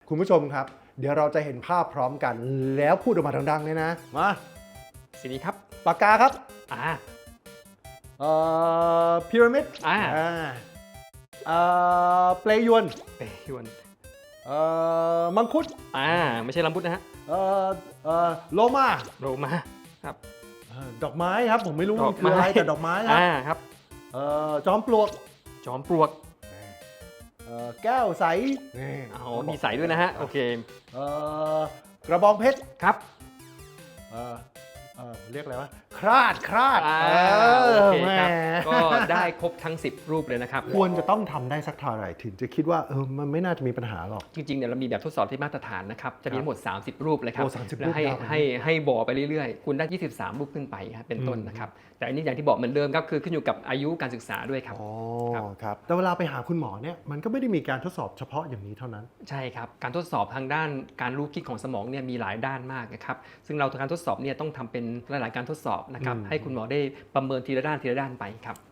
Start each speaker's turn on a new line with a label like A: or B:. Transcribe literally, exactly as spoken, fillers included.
A: คุณผู้ชมครับ เดี๋ยวเราจะเห็นภาพพร้อมกัน แล้วพูดออกมาดังๆเลยนะ มา
B: สีนี้ครับ
A: ปากกาครับ
B: อ่า
A: เอ่อพีระมิด
B: อ่า
A: อ่าเอ่อเปลยวน
B: เปยวน
A: เอ่อมังคุด
B: อ่าไม่ใช่ลำพุดนะฮะ
A: เอ่อเอ่อโลมา
B: โรมาครับ
A: เอ่อดอกไม้ครับ ผมไม่รู้
B: ด
A: มั
B: อก
A: นคืออะไร
B: ไม้
A: แต่ดอกไม้ครับ
B: อ่าครับ
A: เอ่อจอมปลวก
B: จอมปลวก
A: เอ่อแก้วใสนี่
B: อ๋อมีใส่ด้วยนะฮะโอเค
A: เอ่อกระบองเพชร
B: ครับ
A: เอ่อเอ่อเรียกอะไรวะคราดคราด
B: อ่า
A: เอ
B: โอ
A: อ
B: เค
A: แหม
B: ครับก็ได้ครบทั้งสิบรูปเลยนะครับ
A: ควรจะต้องทำได้สักเท่าไหร่ถึงจะคิดว่าเออมันไม่น่าจะมีปัญหาหรอก
B: จริงๆเนี่ยเรามีแบบทดสอบที่มาตรฐานนะครับจะมีทั้งหมดสามสิบรูปเลยครับ
A: โอ้สามสิบ
B: แล้วให้
A: รูปยาว
B: ให้ให้บอไปเรื่อยๆ คุณได้ยี่สิบสามรูปขึ้นไปครับเป็นต้นนะครับแต่อันนี้อย่างที่บอกเหมือนเดิมครับคือขึ้นอยู่กับอายุการศึกษาด้วยครับ
A: อ๋อ
B: ครับ
A: ครับแต่เวลาไปหาคุณหมอเนี่ยมันก็ไม่ได้มีการทดสอบเฉพาะอย่างนี้เท่านั้น
B: ใช่ครับการทดสอบทางด้านการรู้คิดของสมองเนี่ยมีหลายด้านมากนะครับซึ่งเราการทดสอบเนี่ยต้องทำเป็นหลายๆการทดสอบนะครับ
A: อืม
B: ให้คุณหมอได้ประเมินทีละด้านทีละด้านไปครับ